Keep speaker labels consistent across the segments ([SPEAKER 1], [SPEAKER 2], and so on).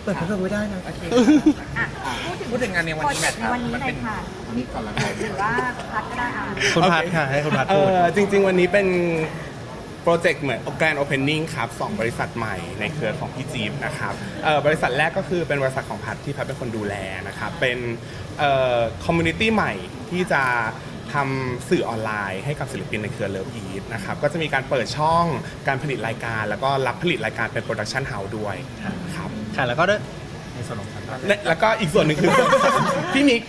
[SPEAKER 1] เปิดเผยไม่ได้นะ
[SPEAKER 2] โอเค
[SPEAKER 3] พูดถึงงานในวันนี้แมทครับ
[SPEAKER 2] วันนี้เลยค่ะนี่ก่อนละหรือว่าพัดก็ได้ค่ะ
[SPEAKER 4] คุณพัดค่ะให้คุณพัดพูด
[SPEAKER 5] จริงๆวันนี้เป็นโปรเจกต์เหมือน Grand Opening ครับ2บริษัทใหม่ในเครือของพี่จี๊บนะครับบริษัทแรกก็คือเป็นบริษัทของพัดที่พัดเป็นคนดูแลนะครับเป็นคอมมูนิตี้ใหม่ที่จะทำสื่อออนไลน์ให้กับศิลปินในเครือเลิฟอีทนะครับก็จะมีการเปิดช่องการผลิตรายการแล้วก็รับผลิตรายการเป็นโปรดักชันเฮาส์ด้วยครับ
[SPEAKER 4] ค่ะแล้วก็ด้วยในส่วนของ
[SPEAKER 5] แล้วก็อีกส่วนหนึ่งคือ พี่มิก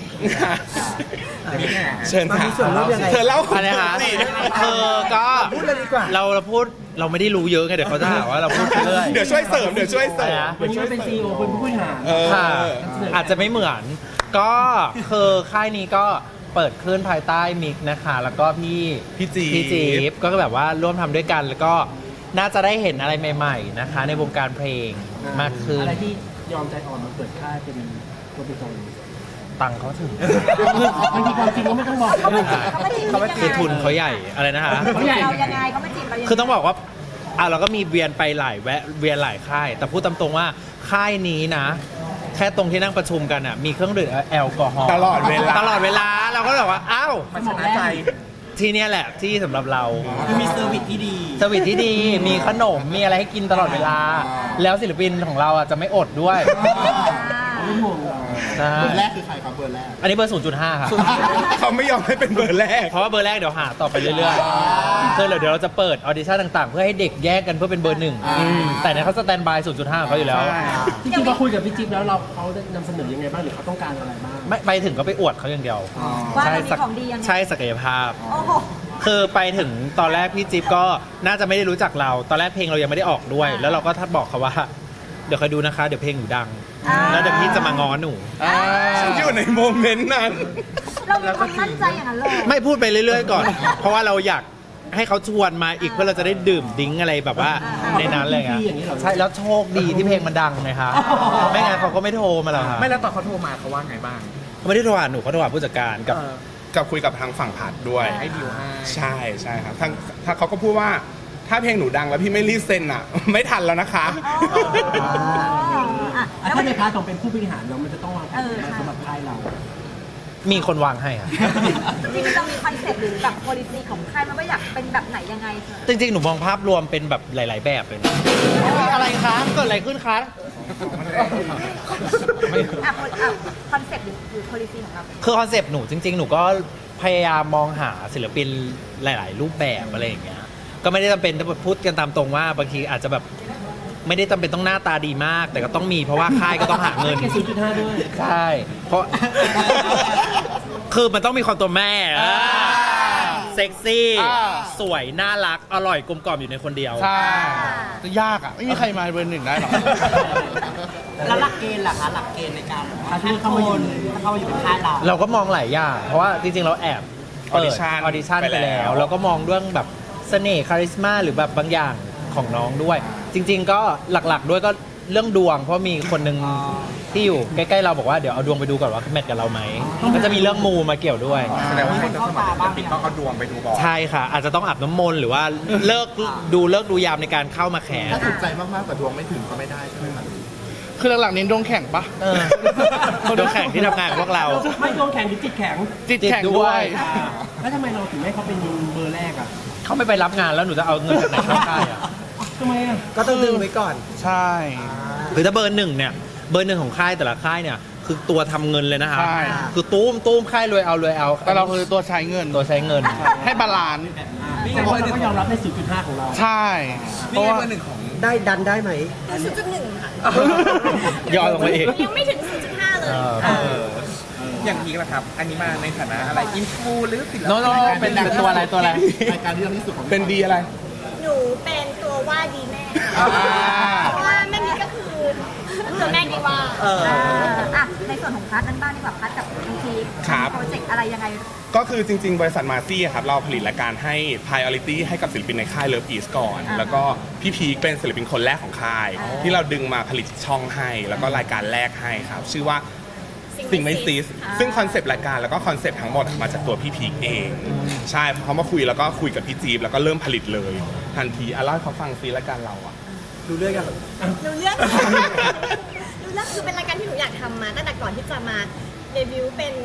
[SPEAKER 5] เชิญ
[SPEAKER 1] มัน
[SPEAKER 5] ค่ะ
[SPEAKER 1] มีส่วนร่วมยังไง
[SPEAKER 5] เธอเล่า
[SPEAKER 4] อะไรนะคะ
[SPEAKER 5] สิ
[SPEAKER 4] ก็
[SPEAKER 1] พูดเลยดีกว่า
[SPEAKER 4] เราพูดเราไม่ได้รู้เยอะไงเดี๋ยวเขาจะหาว่าเราพูดไปเรื่อย
[SPEAKER 5] เดี๋ยวช่วยเสริมเดี๋ยวช่วยเสริม
[SPEAKER 1] วันนี้เป็นซีอีโอเป็นผู้บริหาร
[SPEAKER 4] ค่ะ อาจจะไม่เหมือน ก็คือค่ายนี้ก็เปิดขึ้นภายใต้มิกนะคะ แล้วก็พี่จี๊บก็แบบว่าร่วมทำด้วยกัน แล้วก็น่าจะได้เห็นอะไรใหม่ๆนะคะ ในวงการเพลงมากขึ้น
[SPEAKER 1] อะไรที่ยอมใจอ่อนมาเปิดค่ายเป็นตัวเป็นตน
[SPEAKER 4] ตังค์เขาถึง
[SPEAKER 1] บางทีความจริงก็ไม่ต้องบอก
[SPEAKER 2] เขามาจีบเขามาจีบ
[SPEAKER 4] คือทุนเขาใหญ่อะไรนะคะ
[SPEAKER 2] เรายังไงเขามาจีบเรายังไง
[SPEAKER 4] คือต้องบอกว่าเราก็มีเวียนไปหลายเวียนหลายค่าย แต่พูดตามตรงว่าค่ายนี้นะ แค่ตรงที่นั่งประชุมกันอ่ะมีเครื่องดื่มแอลกอฮอล์
[SPEAKER 5] ตลอดเวลา
[SPEAKER 4] ตลอดเวลาเราก็แบบว่าอ้าว
[SPEAKER 3] มันชนะใจ
[SPEAKER 4] ที่เนี่ยแหละที่สำหรับเรา
[SPEAKER 1] คือมีเซอร์วิสที่ดี
[SPEAKER 4] สวิตที่ดีมีขนมมีอะไรให้กินตลอดเวลา แล้วศิลปินของเราอ่ะจะไม่อดด้วย
[SPEAKER 1] ไม่ห่วงเรา
[SPEAKER 4] ใช่
[SPEAKER 6] เบอร์แรกคือใครครับเบอร์แรก
[SPEAKER 4] อันนี้เบอร์ 0.5 ค่ะ
[SPEAKER 5] เขาไม่ยอมให้เป็นเบอร์แรก
[SPEAKER 4] เพราะว่าเบอร์แรกเดี๋ยวหาต่อไปเรื่อยๆคือเดี๋ยวเราจะเปิดออดิชั่นต่างๆ เพื่อให้เด็กแยกกันเพื่อเป็นเบอร์หนึ่งแต่เนี่ยเขาสแตนบาย 0.5ของเขาอยู่แล้ว
[SPEAKER 1] จริงๆเราคุยกับพี่จิ๊บแล้วเขาได้นำเสนอยังไงบ้างหรือเขาต้องการอะไรบ้าง
[SPEAKER 4] ไม่ไปถึงก็ไปอวดเขาอย่างเดียว
[SPEAKER 2] ว่าเรามีของดียังไง
[SPEAKER 4] ใช่ศักยภาพ
[SPEAKER 2] โอ้โห
[SPEAKER 4] คือไปถึงตอนแรกพี่จิ๊บก็น่าจะไม่ได้รู้จักเรา ตอนแรกเพลงเรายังไม่ได้ออกด้วย แล้วเราก็ทัดบอกเขาว่า เดี๋ยวคอยดูนะคะ เดี๋ยวเพลงหนูดัง แล้วเดี๋ยวพี่จะมาง้อหนู
[SPEAKER 5] ฉันอยู่ในโมเมนต์นั้น
[SPEAKER 2] เรามีความมั่นใจอย่างนั้นเลย
[SPEAKER 4] ไม่พูดไปเรื่อยๆก่อน เพราะว่าเราอยากให้เขาชวนมาอีกเพื่อเราจะได้ดื่มดิ้งอะไรแบบว่าในนั้นเลยอ่ะใช่แล้วโชคดีที่เพลงมันดังนะคะไม่งั้นเขาก็ไม่โทรมาหรอกค่ะ
[SPEAKER 3] ไม่แล้วตอนเขาโทรมาเขาว่าไงบ้าง
[SPEAKER 4] เขาไม่ได้โทรหาหนูเขาโทรหาผู้จัดการกับ
[SPEAKER 5] กับคุยกับทางฝั่งผัดด้วย
[SPEAKER 3] ให้ดีลให้
[SPEAKER 5] ใช่ใช่ครับถ้าเขาก็พูดว่าถ้าเพลงหนูดังแล้วพี่ไม่รีบเซ็นอ่ะ ไม่ทันแล้วนะคะ
[SPEAKER 1] ถ้าในพาร์ทของเป็นผู้บริหารเรามันจะต้องวางแผนสำหรับค่ายเรา
[SPEAKER 4] มีคนวางให้ค่ะ
[SPEAKER 2] จริงๆเรามีคอนเซ็ปต์หรือแบบ policy ของค่ายมันว่าอยากเป็นแบบไหนยังไง
[SPEAKER 4] จริงๆ หนูมองภาพรวมเป็นแบบหลาย ๆ แบบเลยนะอะไรคะเกิดอะไรขึ้นคะ
[SPEAKER 2] คอนเซ็ปต์หรือ policy ของเราเป็น
[SPEAKER 4] คือคอนเซปต์หนูจริง ๆ หนูก็พยายามมองหาศิลปินหลาย ๆ รูปแบบอะไรอย่างเงี้ย ก็ไม่ได้จำเป็นถ้าพูดกันตามตรงว่าบางทีอาจจะแบบไม่ได้จำเป็นต้องหน้าตาดีมาก แต่ก็ต้องมีเพราะว่าค่ายก็ต้องหาเงิน
[SPEAKER 1] แค่ 0.5 ด้วย
[SPEAKER 4] ใช่ เพราะ คือมันต้องมีความตัวแม่เซ็กซี่ สวย น่ารัก อร่อยกลมกล่อมอยู่ในคนเดียว
[SPEAKER 6] ใช่จะยากอ่ะ ไม่มีใครมาเบอร์หนึ่งได้หรอก
[SPEAKER 7] แล้วหลักเกณฑ์ล่ะคะหลักเกณฑ์ในการคัดคนถ้าเข้ามาอยู่ในค่ายเรา
[SPEAKER 4] เราก็มองหลายอย่าง เพราะว่าจริง ๆ เราแอบเปิด
[SPEAKER 5] Audition
[SPEAKER 4] ออดิชั่น
[SPEAKER 5] ไป
[SPEAKER 4] ไป
[SPEAKER 5] แล้
[SPEAKER 4] แล้ว ว เราก็มองเรื่องแบบเสน่ห์คาริสมาหรือแบบบางอย่างของน้องด้วย จริง ๆ ก็หลัก ๆ ด้วยก็เรื่องดวง เพราะมีคนหนึ่งที่อยู่ใกล้ ๆ เราบอกว่าเดี๋ยวเอาดวงไปดูก่อนว่าแมทกับเราไหมก็จะมีเรื่องมูมาเกี่ยวด้วย
[SPEAKER 3] แสดงว่าคนจะสมัครศิลปินต้องเอาดวงไปดูก่อน
[SPEAKER 4] ใช่ค่ะ อาจจะต้องอาบน้ำมนต์หรือว่าเลิกดูยามในการเข้ามาแขน
[SPEAKER 6] ถ้าถูกใจมากๆแต่ดวงไม่ถึงก็ไม่ได้ใช่ไหมครับ
[SPEAKER 8] คือหลักๆเน้นดวงแข่งปะ
[SPEAKER 4] คนดูแข่งที่ทำงานกับพวกเรา
[SPEAKER 1] ไม่ดวงแข็งหรือจิตแข็ง
[SPEAKER 8] จิตแข่งด้วย
[SPEAKER 1] แล้วทำไมเราถึงให้เขาเป็นเบอร์แรกอ่ะ
[SPEAKER 4] เขาไม่ไปรับงานแล้วหนูจะเอาเงินจากไหนเข้าค่ายอ่ะ
[SPEAKER 1] ทำไมอ่ะก็ต้องดึงไว้ก่อน
[SPEAKER 8] ใช่
[SPEAKER 4] คือถ้าเบอร์หนึ่งเนี่ยเบอร์หนึ่งของค่ายแต่ละค่ายเนี่ยคือตัวทำเงินเลยนะครับ
[SPEAKER 8] ใช่
[SPEAKER 4] คือตุ้มค่ายรวยเอา
[SPEAKER 8] แต่เราคือตัวใช้เงิน
[SPEAKER 4] ตัวใช้เงิน
[SPEAKER 8] ให้บาลานซ์
[SPEAKER 1] แต่ว่าเราก็ยอมรับใน 0.5 ของเรา
[SPEAKER 8] ใช่ เพ
[SPEAKER 3] นี่
[SPEAKER 8] ราะ
[SPEAKER 3] ไง
[SPEAKER 8] ว่า
[SPEAKER 3] เบอร์หนึ่งของ
[SPEAKER 1] ได้ดันได้ไหม
[SPEAKER 2] 0.1 ค่ะ
[SPEAKER 4] ย่อลงไปอีก
[SPEAKER 2] ยังไม่ถึง 0.5 เลย
[SPEAKER 3] อย่างพีกล่ะครับ อันนี้มาในฐานะอะไร อินฟูหรือศิลปิน
[SPEAKER 4] โน้เป็นตัวอะไรตัวอะไร
[SPEAKER 6] รายการที่ดังที่สุดของ
[SPEAKER 5] เป็นดีอะไร
[SPEAKER 9] หนูเป็นตัวว่าดีแม่
[SPEAKER 8] อ่า
[SPEAKER 9] เพราะว่าแม่มิกก็คือตัวแม่ดีว่า
[SPEAKER 2] ในส่วนของพัดนั้นบ้างดีกว่าพัดกับทางทีม
[SPEAKER 5] ครับ
[SPEAKER 2] โปรเจกต์อะไรยังไง
[SPEAKER 5] ก็คือจริง ๆ บริษัทมาซี่ครับเราผลิตรายการให้ priority ให้กับศิลปินในค่าย Love East ก่อน แล้วก็พี่พีคเป็นศิลปินคนแรกของค่าย ที่เราดึงมาผลิตช่องให้ แล้วก็รายการแรกให้ครับ ชื่อว่าสิ่งไม่ซีสซึ่งคอนเซปต์รายการแล้วก็คอนเซปต์ทั้งหมดมาจากตัวพี่พีคเอง ใช่พอเขามาคุยแล้วก็คุยกับพี่จี๊บแล้วก็เริ่มผลิตเลย ทันทีเล่าให้เขาฟังซีรายการเราอะ
[SPEAKER 1] ดูเรื่องกัน
[SPEAKER 9] หนูเลือกแล้วคือเป็นรายการที่หนูอยากทำมาตั้งแต่ก่อนที่จะมาเดบิวต์เป็น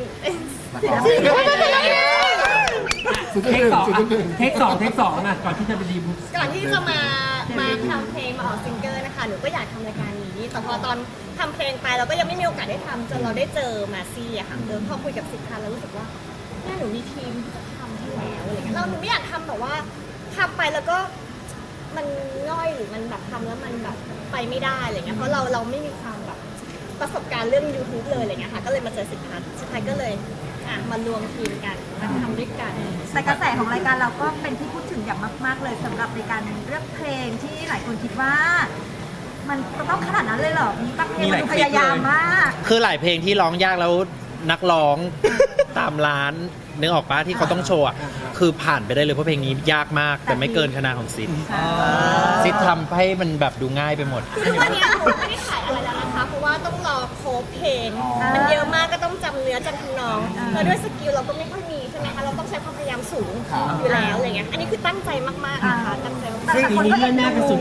[SPEAKER 1] เทคสองเทคสองนะก่อนที่จะไปดีบุ๊ก
[SPEAKER 9] ก่อนที่จะมาทำเพลงมาออกซิงเกิลนะคะหนูก็อยากทำรายการนี้แต่พอตอนทำเพลงไปเราก็ยังไม่มีโอกาสได้ทำจนเราได้เจอมาซี่อะค่ะพอคุยกับสิทธาแล้วรู้สึกว่าแม่หนูมีทีมที่จะทำให้แล้วอะไรเงี้ยเราหนูไม่อยากทำแบบว่าทำไปแล้วก็มันง่อยหรือมันแบบทำแล้วมันแบบไปไม่ได้อะไรเงี้ยเพราะเราไม่มีความแบบประสบการณ์เรื่อง YouTube เลยอะไรเงี้ยค่ะก็เลยมาเจอสิทธาก็เลยมารวมทีมกันมาทำด้วยกัน
[SPEAKER 2] แต่กระแสของรายการเราก็เป็นที่พูดถึงอย่างมากๆเลยสำหรับในการเลือกเพลงที่หลายคนคิดว่า มันต้องขนาดนั้นเลยเหรอมีบางเพลงมันดูพยายามมาก
[SPEAKER 4] คือหลายเพลงที่ร้องยากแล้วนักร้อง ตามร้านนึกออกปะที่เขาต้องโชว์อะคือผ่านไปได้เลยเพราะเพลงนี้ยากมากแต่ไม่เกินคะแนนของซิดซิดทำให้มันแบบดูง่ายไปหมด
[SPEAKER 9] คือวันนี้หนูไม่ได้ขายอะไรแล้วนะคะเพราะว่าต้องรอโค้ดเพลงมันเยอะมากก็ต้องจำเนื้อจำทำนองแล้วด้วยสกิลเราก็ไม่ค่อยมีใช่ไหมคะเราต้องใช้ความพยายามสูงอยู่แล้วอะไรเงี้ยอันนี้คือตั้งใจมากๆนะคะตั้งใจมาก
[SPEAKER 1] ซึ่งปีนี้เลื่อนหน้าเป็น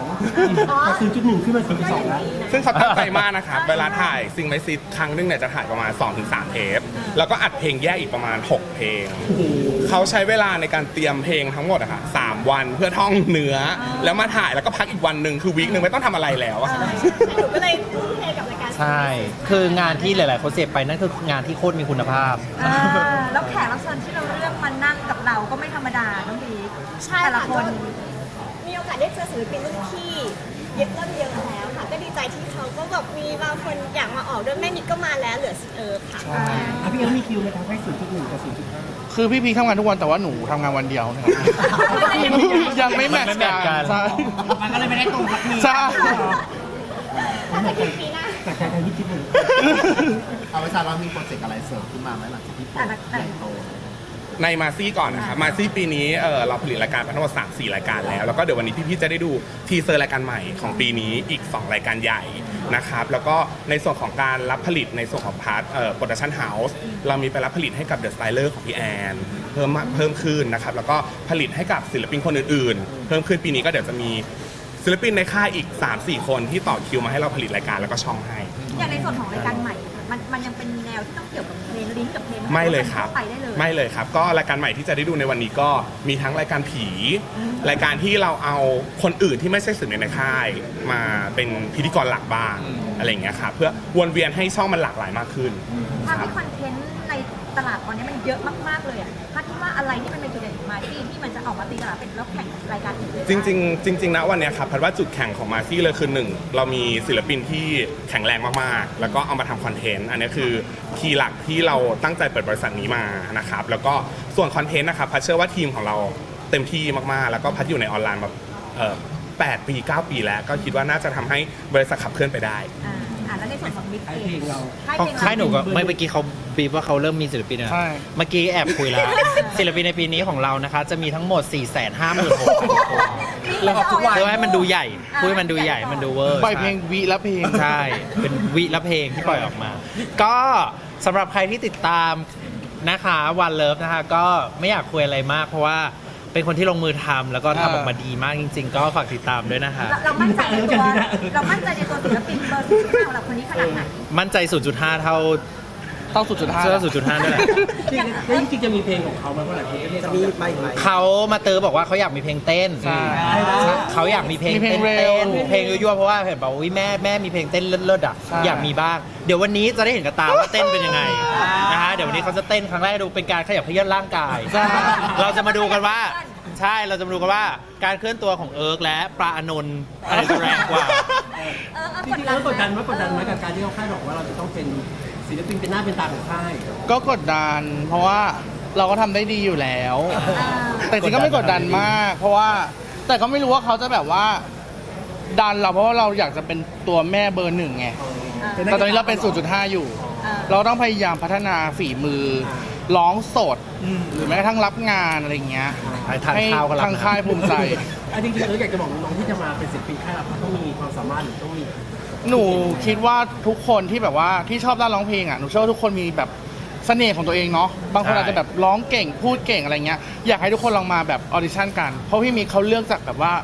[SPEAKER 1] 0.2 จาก 0.1 ขึ้นมา 0.2 แล้ว
[SPEAKER 5] ซึ่งเขาตั้งใจมากนะครับ เวลาถ่ายซิงไมซิดครั้งนึงเนี่ยจะถ่ายประมาณ 2-3 เทป แล้วก็อัดเพลงแยกอีกประมาณ 6 เพลง เขาใช้เวลาในการเตรียมเพลงทั้งหมดอะค่ะ3 วันเพื่อท่องเนื้อ แล้วมาถ่ายแล้วก็พักอีกวันหนึ่งคือวีคหนึ่งไม่ต้องทำอะไรแล้วอะ
[SPEAKER 9] หนูก็เลยทุ่มเทกับรายการ
[SPEAKER 4] ใช่ คืองานที่หลายๆคนเสพไปนั่นคืองานที่โคตรมีคุณภาพ
[SPEAKER 2] แล้วแขกรับเชิญที่เราเลือกมานั่งกับเราก็ไม่ธรรมดาน้องบี
[SPEAKER 9] ใช่
[SPEAKER 2] แต่ละ
[SPEAKER 9] ค่ะ
[SPEAKER 2] คน
[SPEAKER 9] ก็มีโอกาสได้เจอศิลปินรุ่นพี่เยอะเยอะแล้วค่ะก็ดีใจที่เขาก็แบบมีบางคนอยากมาออกด้วยแม่นิดก็มาแล้วเหลือค่ะ
[SPEAKER 1] พี่เอ๋มีคิวไหมครับให้ 0.1 กับ 0.5
[SPEAKER 8] คือพี่พีทำงานทุกวันแต่ว่าหนูทำงานวันเดียวนะครับ ยังไม่แมทช์กันใช่
[SPEAKER 7] มันก็เลยไม่ได้ตรงกับพี่
[SPEAKER 8] ใช่
[SPEAKER 9] ถ้าจะเป็นปีหน้า
[SPEAKER 1] แต่ใจพี่จิ๊บหนึ่ง
[SPEAKER 6] เอาไว้ซาเรามีโปรเจกต์อะไรเสริมขึ้นมาไหมหลังจากที่เปิดใหญ่โต
[SPEAKER 5] ในมาซี่ก่อนนะครับมาซี่ปีนี้เราผลิตรายการไปทั้งหมด 3-4 รายการแล้วก็เดี๋ยววันนี้พี่ๆจะได้ดูทีเซอร์รายการใหม่ของปีนี้อีก 2 รายการใหญ่นะครับแล้วก็ในส่วนของการรับผลิตในส่วนของพาร์ทโปรดักชั่นเฮาส์เรามีไปรับผลิตให้กับเดอะสไตเลอร์ของพี่แอนเพิ่มขึ้นนะครับแล้วก็ผลิตให้กับศิลปินคนอื่นๆเพิ่มขึ้นปีนี้ก็เดี๋ยวจะมีศิลปินในค่ายอีก 3-4 คนที่ต่อคิวมาให้เราผลิตรายการแล้วก็ช่องให้
[SPEAKER 2] อย่างในส่วนของรายการใหม่มันยังเป็นแนวที่ต้องเกี่ยวกับเพลงลิงก์กับเพลง
[SPEAKER 5] ไม่เลยครับ
[SPEAKER 2] ไปได้เลย
[SPEAKER 5] ไม่เลยครับ ก็รายการใหม่ที่จะได้ดูในวันนี้ก็มีทั้งรายการผี รายการที่เราเอาคนอื่นที่ไม่ใช่ศิลปินในค่ายมาเป็นพิธีกรหลักบ้างอะไรอย่างเงี้ยครับเพื่อวนเวียนให้ช่องมันหลากหลายมากขึ้น
[SPEAKER 2] ภาพ
[SPEAKER 5] ครับ
[SPEAKER 2] ที่คอนเทนต์ในตลาดตอนนี้มันเยอะมากๆเลยอ่ะภาพที่ว่าอะไรที่มันเป็นจุดเด่นของมาที่มันจะออกมาตีตลาดเป็นแล้วแข่งกับรายการอื่นเลย
[SPEAKER 5] จริงๆนะวันเนี้ยครับพัดว่าจุดแข่งของมาซี่เลยคือหนึ่งเรามีศิลปินที่แข็งแรงมากๆ แล้วก็เอามาทำคอนเทนต์อันนี้คือคีย์หลักที่เราตั้งใจเปิดบริษัทนี้มานะครับแล้วก็ส่วนคอนเทนต์นะครับพัดเชื่อว่าทีมของเราเต็มที่มากๆ แล้วก็พัดอยู่ในออนไลน์มา8 ปี 9 ปีแล้วก็คิดว่าน่าจะทำให้บริษัทขับเคลื่อนไปได้
[SPEAKER 2] แล้วในส่วนของมิก
[SPEAKER 1] ให้
[SPEAKER 2] เอ
[SPEAKER 1] เพล
[SPEAKER 2] ง
[SPEAKER 1] งเรา
[SPEAKER 4] ค่ายหนูก็เมื่อกี้เขาบีบว่าเขาเริ่มมีศิลปินนะ
[SPEAKER 8] ใช่
[SPEAKER 4] เมื่อกี้แอบคุยแล้ว ศิลปินในปีนี้ของเรานะคะ จะมีทั้งหมด 456,000 คนแล้วเพื่อให้มันดูใหญ่เพื่อให้มันดูใหญ่มันดูเวอร์
[SPEAKER 8] ปล่อยเพลงวิละเพลง
[SPEAKER 4] ใช่ เป็นวิละเพลงที่ปล่อยออกมา ก็สำหรับใครที่ติดตามนะคะวันเลิฟนะคะก็ไม่อยากคุยอะไรมากเพราะว่าเป็นคนที่ลงมือทำแล้วก็ทำออกมาดีมากจริง ๆ ก็ฝากติดตามด้วยนะคะ
[SPEAKER 2] เรามั่นใจในตัวศิลปินเบอร์0.5ของเราคนนี้ขนาดไหน
[SPEAKER 4] มั่นใจ 0.5 เท่า
[SPEAKER 8] ต้อง0.5
[SPEAKER 4] เท่า 0.5ด้วยแหละ
[SPEAKER 1] จริงๆจะมีเพลงของเขาไหมเพราะหลายคนก็เรียก
[SPEAKER 7] จะ
[SPEAKER 1] เขา
[SPEAKER 7] มี
[SPEAKER 1] อยาก
[SPEAKER 7] ไปไหม
[SPEAKER 4] เขามาเตอบอกว่าเขาอยากมีเพลงเต้น
[SPEAKER 8] ใช่
[SPEAKER 4] เขาอยากมีเพลง
[SPEAKER 8] มีเพล
[SPEAKER 4] เต้
[SPEAKER 8] ง
[SPEAKER 4] น
[SPEAKER 8] เร็ว
[SPEAKER 4] เพลงยั่วๆเพราะว่าเห็นบอกว่าอุ๊ยแม่มีเพลงเต้นเลิศๆอ่ะ
[SPEAKER 8] ใช่
[SPEAKER 4] อยากมีบ้าง เดี๋ยววันนี้จะได้เห็นกับตาว่าเต้นเป็นยังไงนะคะเดี๋ยววันนี้เขาจะเต้นครั้งแรกดูเป็นการขยับเขยื้อนร่างกาย เราจะมาดูกันว่าใช่เราจะมาดูกันว่าการเคลื่อนตัวของเอิร์กและปลาอานนท์อะไรจะแรงกว่า
[SPEAKER 1] จริงๆแล้วกดดันไหมกับการที่เขาคาดหวังว่าเราจะต้องเป็นศิลปินเป็นหน้าเป็นตาของค่าย
[SPEAKER 8] ก็กดดัน เพราะว่าเราก็ทำได้ดีอยู่แล้ว แต่จริงก็ไม่กดดันมาก เพราะว่าแต่ก็ไม่รู้ว่าเขาจะแบบว่า ดันเราเพราะว่าเราอยากจะเป็นตัวแม่เบอร์ 1ไงแต่ตอนนี้เราเป็น 0.5 อยู่ เราต้องพยายามพัฒนาฝีมือร้องสด หรือแม้กระทั่งรับงานอะไรอย่างเงี้ย
[SPEAKER 4] ให้ทานข้าวก็รับนะ
[SPEAKER 8] ทางค่ายภูมิใจ
[SPEAKER 1] จริงๆอยากจะบอกน้องๆที่จะมาเป็นศิลปินค่ายเราเขาต้องมีความสามารถหรือต้องมี
[SPEAKER 8] หนูคิดว่าทุกคนที่แบบว่าที่ชอบด้านร้องเพลงอ่ะหนูเชื่อว่าทุกคนมีแบบเสน่ห์ของตัวเองเนาะบางคน
[SPEAKER 4] ใช่
[SPEAKER 8] อาจจะแบบร้องเก่งพูดเก่งอะไรเงี้ยอยากให้ทุกคนลองมาแบบออดิชั่นกันเพราะพี่มีเขาเลือกจากแบบว่า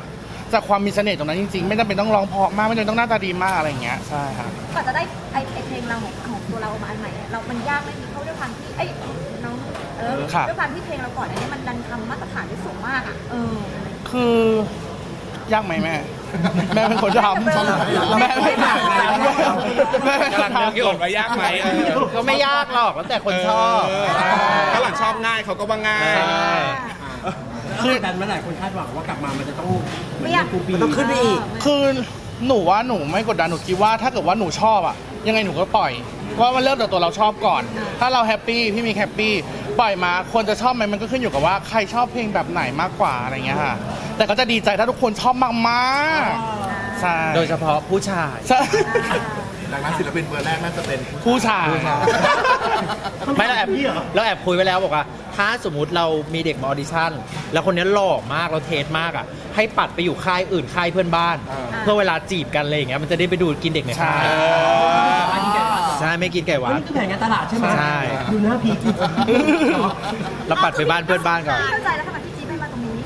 [SPEAKER 8] จากความมีเสน่ห์ตรงนั้นจริงๆไม่จำเป็นต้องร้องเพราะมากไม่จำเป็นต้องหน้าตาดีมากอะไรอย่างเงี้ยใช่ครับ
[SPEAKER 2] กว่าจะได้ไอเพลงเราของตัวเราออกมาอันใหม่เรามันยากไหมมีเขาด้วยความที่น้องด้วยความที่เพลงเราก่อนอันนี้มันดันทำมาตรฐานได้สูงมากอ่ะ
[SPEAKER 8] คือยากไหมแม่ แม่เป็นคนทำแม่ไม่ทำแม่เป็นคน
[SPEAKER 5] กำลังนึก
[SPEAKER 8] ทำ
[SPEAKER 5] อยู่ว่ายากไหม
[SPEAKER 4] ก็ไม่ยากหรอกแล้วแต่คนชอบ
[SPEAKER 5] ถ้าหลังชอบง่ายเขาก็ว่าง่าย
[SPEAKER 1] คือกดดันเมื่อไหร่คนคาดหวังว่ากลับมามันจะต้องเหมือน
[SPEAKER 2] ไม่อยาก
[SPEAKER 1] ในกูปี
[SPEAKER 7] มันต้องขึ้นไปอีก
[SPEAKER 8] คือหนูว่าหนูไม่กดดันหนูคิดว่าถ้าเกิดว่าหนูชอบอะยังไงหนูก็ปล่อยว่ามันเริ่มจากตัวเราชอบก่อน ถ้าเราแฮปปี้พี่มีแฮปปี้ปล่อยมาคนจะชอบไหมมันก็ขึ้นอยู่กับว่าใครชอบเพลงแบบไหนมากกว่าอะไรเงี้ยค่ะแต่ก็จะดีใจถ้าทุกคนชอบมากๆใช่
[SPEAKER 4] โดยเฉพาะผู้ชาย
[SPEAKER 8] ใช่
[SPEAKER 6] ดังนั้นศิลปินเบอร์แรกน่าจะเป็น
[SPEAKER 8] ผู้ชาย
[SPEAKER 4] ไม่เราแอบคุยไว้แล้วบอกว่า ถ้าสมมุติเรามีเด็กมาออดิชั่น แล้วคนนี้หล่อมากเราเทสมากอ่ะให้ปัดไปอยู่ค่ายอื่นค่ายเพื่อนบ้าน เพื่อเวลาจีบกันอะไรอย่างเงี้ยมันจะได้ไปดูกินเด็กในค่ายใช่ไม่กินไก่หวาน
[SPEAKER 1] นี่คือแผนการตลาดใช่ไหม
[SPEAKER 4] ใช่
[SPEAKER 1] ดูหน้าพีค
[SPEAKER 4] เราปัดไปบ้านเพื่อนบ้านก่อน
[SPEAKER 2] เข้าใจแล้วทำไมพี่จี๊ดไม่มาตรงนี้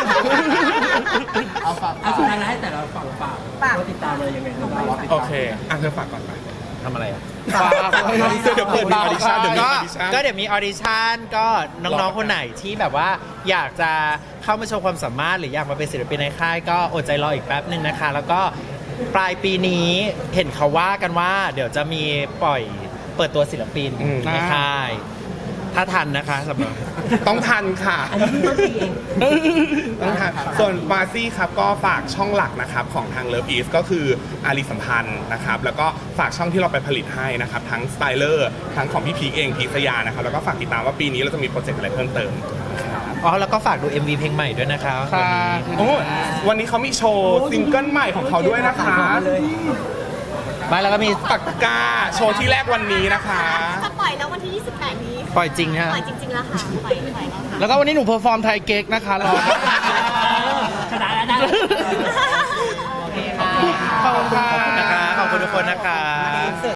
[SPEAKER 6] เอาฝาก
[SPEAKER 1] สุดท้ายแล้วให้แต่ละฝั่งฝาก
[SPEAKER 2] ฝาก
[SPEAKER 1] ว่าติดตามอะไรยังไงบ้าง
[SPEAKER 5] โอเคเธอฝากก่อนไป
[SPEAKER 4] ทำอะไรอ่ะ
[SPEAKER 5] เดี๋ยวเปิดมีออดิชั่นเดี๋ยวมีออดิชั่น
[SPEAKER 4] ก็เดี๋ยวมีออดิชั่นก็น้องๆคนไหนที่แบบว่าอยากจะเข้ามาโชว์ความสามารถหรืออยากมาเป็นศิลปินในค่ายก็อดใจรออีกแป๊บหนึ่งนะคะ แล้วก็ปลายปีนี้เห็นเขาว่ากันว่า เดี๋ยวจะมีปล่อยเปิดตัวศิลปินในค่าย ถ้าทันนะคะสำหรับ
[SPEAKER 5] ต้องทันค่ะ
[SPEAKER 1] อันนี้เพิ่งต้นปีเอง
[SPEAKER 5] ต้องทันส่วนมาซี่ครับก็ฝากช่องหลักนะครับของทาง Love East ก็คืออารีสัมพันธ์นะครับแล้วก็ฝากช่องที่เราไปผลิตให้นะครับทั้งสไตเลอร์ทั้งของพี่พีคเองพีคสยานะครับแล้วก็ฝากติดตามว่าปีนี้เราจะมีโปรเจกต์อะไรเพิ่มเติม
[SPEAKER 4] อ๋อแล้วก็ฝากดู MV เพลงใหม่ด้วยนะคะวันนี้
[SPEAKER 5] โอ้วันนี้เขามีโชว์ซิงเกิลใหม่ของเขาด้วยนะคะ
[SPEAKER 4] ไม่แล้วก็มี
[SPEAKER 5] ปากกาโชว์ที่แรกวันนี้นะคะ
[SPEAKER 9] จะปล่อยแล้ววันที่ 28 นี้
[SPEAKER 4] ปล่อยจริงฮะ
[SPEAKER 9] ปล่อยจริงๆแล้วค่ะ ปล่อยแล้วค่ะ
[SPEAKER 8] แล้วก็วันนี้หนูเพอร์ฟอร์มไทยเก๊กนะคะรอ
[SPEAKER 1] ชนะแล้วนะ
[SPEAKER 4] โอเคค่ะ
[SPEAKER 8] ขอบคุณค่ะ
[SPEAKER 4] ขอบคุณนะคะขอบคุณทุกคนนะคะ